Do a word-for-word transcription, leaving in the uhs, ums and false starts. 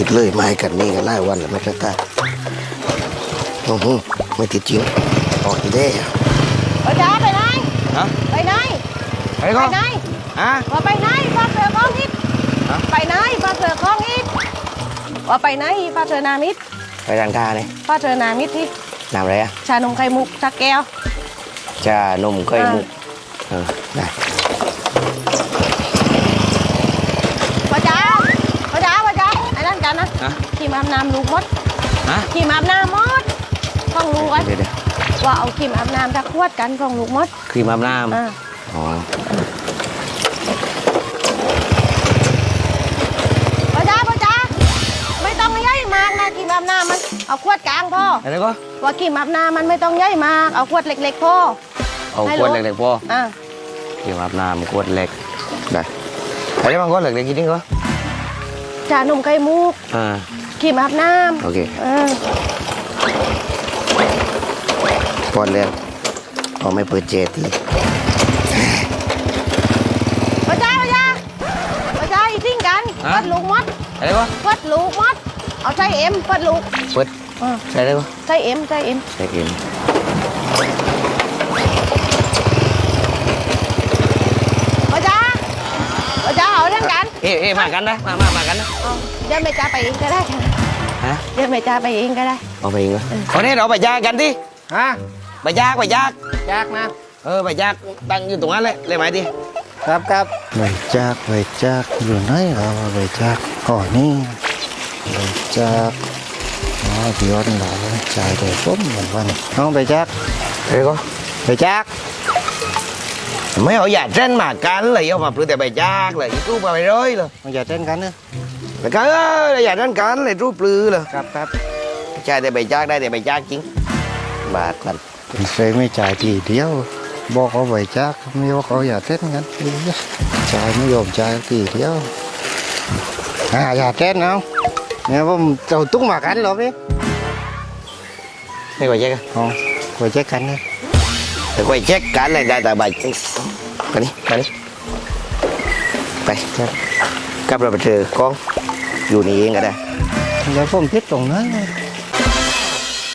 ติดเลยไม้กันนี่กันไล่วันแล้วไม่กล้าโอ้โหไม่ติดจริงออกอีเด้ไปจ้าไปไหนฮะไปไหนไปก็ไหนฮะว่าไปไหนปลาเสือคล้องอิดไปไหนปลาเสือคล้องอิดว่าไปไหนปลาเสือนามิดไปร้านค้าเนี่ยปลาเสือนามิดที่น้ำอะไรอะชานมไข่มุกชักแก้วชานมไข่มุกเออได้พ่อจ๋าพ่อจ๋าพ่อจ๋าไอ้นั่นกันนะขี่มาอาบน้ำลูกมดขี่มาอาบน้ำมดของลูกไว้ว่าเอาขี่มาอาบน้ำจะขวดกันของลูกมดครีมอาบน้ำอ๋อพ่อจ๋าพ่อจ๋าไม่ต้องย่อยมากนะขี่มาอาบน้ำมันเอาขวดกลางพ่ออะไรก็ว่าขี่มาอาบน้ำมันไม่ต้องย่อยมากเอาขวดเล็กๆพ่อเอาขวดเล็กๆพ่ออ่าครีมอาบน้ำขวดเล็กได้อะไรบางขวดเล็กๆกินได้ก็ชานมไข่มุกอ่าครีมอาบน้ำโอเคพอแล้วเอาไม่เปิดเจทีพ่อจ้าพ่อจ้าพ่อจ้าอีกทิ้งกันฟัดลูกมดอะไรวะฟัดลูกมดเอาใส่เอ็มฟัดลูกเปิดใส่ได้ปะใส่เอ็มใส่เอ็มใส่เอ็มพ่อจ้าพ่อจ้าเอาเรื่องกันเอ๊ะเอ๊ะมากันนะมามามากันนะเดี๋ยวแม่จ้าไปเองก็ได้ค่ะฮะเดี๋ยวแม่จ้าไปเองก็ได้เอาไปเองเหรอวันนี้เราไปยากกันดิฮะไปยากไปยากยากนะเออไปยากตั้งอยู่ตรงนั้นเลยเลยไหมดิครับครับไปจากไปจากอยู่ไหนเราไปจากอ๋อนี่ไปจากอ๋อพี่ยอดเราใจเดือดต้มเหมือนวันน้องไปจากเฮ้ยก็ไปจากไม่เอาอย่าเต้นมากันเลยเอามาปลื้มแต่ไปจากเลยรูปมาไปเลยเลยอย่าเต้นกันนะไปกันเอออย่าเต้นกันเลยรูปปลื้มเลยครับครับใจแต่ไปจากได้แต่ไปจากจริงบาทกันเคยไม่จ่ายทีเดียวบอกเขาไปจากไม่บอกเขาอย่าเต้นกันจ่ายไม่ยอมจ่ายทีเดียวอ่าอย่าเต้นเอาเนี่ยผมจะตุ้งมากันหรอพี่ไม่ไปเช็คอ๋อไปเช็คกันเลยแต่ไปเช็คกันเลยได้แต่ใบไปนี่ไปนี่ไปครับกลับเราไปเจอกล้องอยู่นี่เองก็ได้แล้วผมพิดตรงนั้น